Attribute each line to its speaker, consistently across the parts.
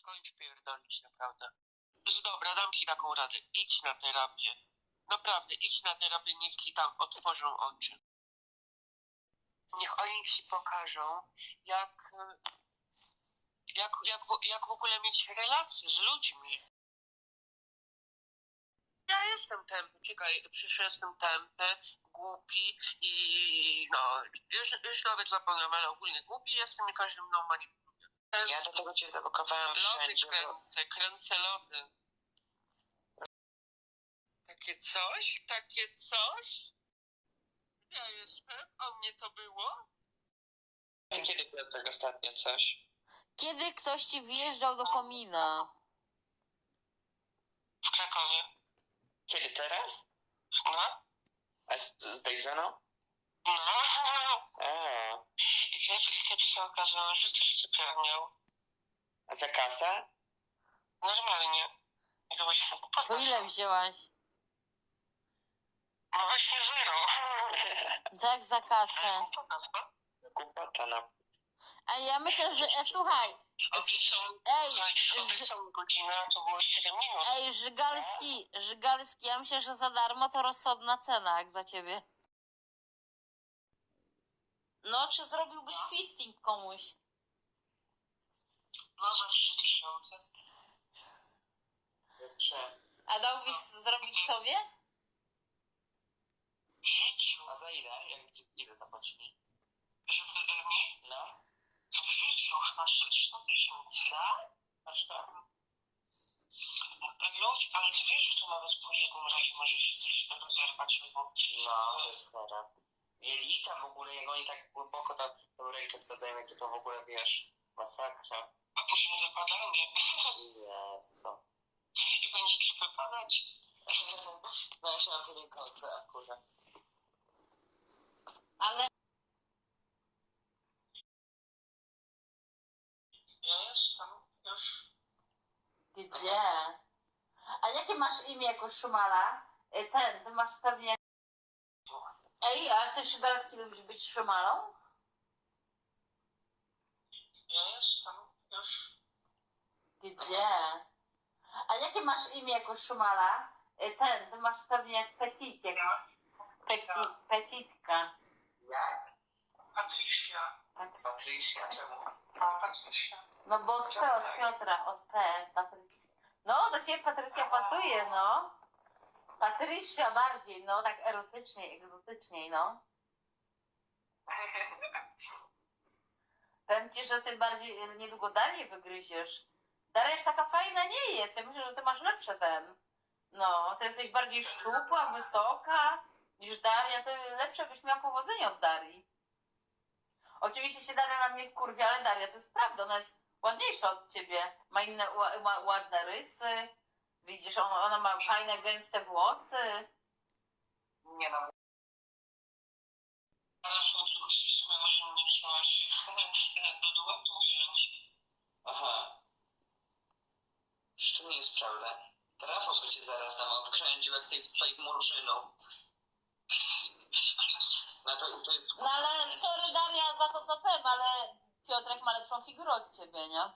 Speaker 1: skończ pierdolić, naprawdę. Dobra, dam ci taką radę. Idź na terapię. Naprawdę, idź na terapię, niech ci tam otworzą oczy. Niech oni ci pokażą, jak w ogóle mieć relacje z ludźmi. Ja jestem tępy, czekaj, przecież jestem tępy, głupi i no, już nawet zapomniałem, ale ogólnie głupi jestem i każdy mną manipuluje. Ja do tego cię zablokowałem wszędzie. Lody kręcę lody. Takie coś? Ja jestem, a mnie to było? Kiedy było tak ostatnio coś?
Speaker 2: Kiedy ktoś ci wjeżdżał do komina?
Speaker 1: W Krakowie. Kiedy, teraz? No. A z Dejrzaną? No. I kiedy się okazało, że też cypher miał. A za kasę? Normalnie.
Speaker 2: Co ile wzięłaś?
Speaker 1: No właśnie zero.
Speaker 2: Tak, za kasę.
Speaker 1: Głupota na...
Speaker 2: A ja myślę, że... słuchaj.
Speaker 1: Godzina, to było 7 minut.
Speaker 2: Ej, Żygalski, ja myślę, że za darmo to rozsądna cena, jak za ciebie. No, czy zrobiłbyś fisting komuś?
Speaker 1: No za 3000.
Speaker 2: A dałbyś zrobić sobie?
Speaker 1: W życiu. A za ile? Ile zapłacili? Żeby mi? No. W życiu masz 100 tysięcy. Tak? Aż tak? Ludzi, ale ty wiesz, że to nawet po jednym razie może się coś rozerwać, bo... No, to jest chore. Jelita w ogóle, jak oni tak głęboko tam tą rękę wsadzają, jakie to w ogóle, wiesz, masakra. A później wypadanie. Jezu. I będzie ci wypadać. No ja się na to nie kończę akurat.
Speaker 2: Ale...
Speaker 1: Ja jestem już...
Speaker 2: Gdzie? A jakie masz imię jako Szumala? Ty masz pewnie... Ej, a ty Szygalski lubisz być Szumalą?
Speaker 1: Ja jestem już...
Speaker 2: Gdzie? A jakie masz imię jako Szumala? Ty masz pewnie Petit jakiś... Petitka.
Speaker 1: Jak? Patrycja. Patrycja, czemu? A, Patrycja.
Speaker 2: No bo od P, od Piotra, od P, Patrycja. No, do ciebie Patrycja pasuje, no. Patrycja bardziej, no, tak erotyczniej, egzotyczniej, no. Powiem ci, że ty bardziej niedługo Darię wygryziesz. Daria już taka fajna nie jest, ja myślę, że ty masz lepsze No, ty jesteś bardziej szczupła, wysoka niż Daria, to lepsze byś miała powodzenie od Darii. Oczywiście się Daria na mnie wkurwia, ale Daria to jest prawda, ona jest ładniejsza od ciebie. Ma inne ładne rysy. Widzisz, ona ma fajne, gęste włosy.
Speaker 1: Nie no. Telefon tylko ścisnęła, że nie chciałaś do duetu wziąć. Aha. To nie jest prawda. Trafos by cię zaraz tam obkręcił, jak tej swoich murzyną. No to jest...
Speaker 2: No ale sorry Daria za to co powiem, ale Piotrek ma lepszą figurę od ciebie, nie?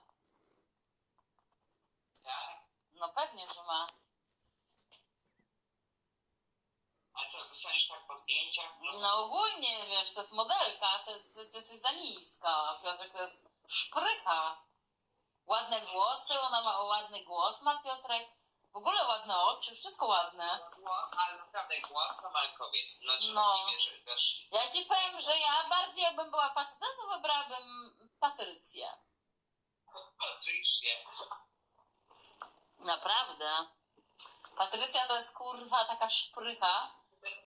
Speaker 1: Tak?
Speaker 2: No pewnie, że ma.
Speaker 1: A co, wysłalisz tak po zdjęciach?
Speaker 2: No ogólnie, wiesz, to jest modelka, to jest za niska, a Piotrek to jest szprycha. Ładne włosy, ona ma ładny głos, ma Piotrek. W ogóle ładne oczy, wszystko ładne.
Speaker 1: Głos, ale naprawdę głos to ma kobiet. Znaczy,
Speaker 2: No.
Speaker 1: nie wiesz, wiesz.
Speaker 2: Ja ci powiem, że ja bardziej jakbym była facetem, to wybrałabym Patrycję.
Speaker 1: Patrycję.
Speaker 2: Naprawdę. Patrycja to jest kurwa taka szprycha.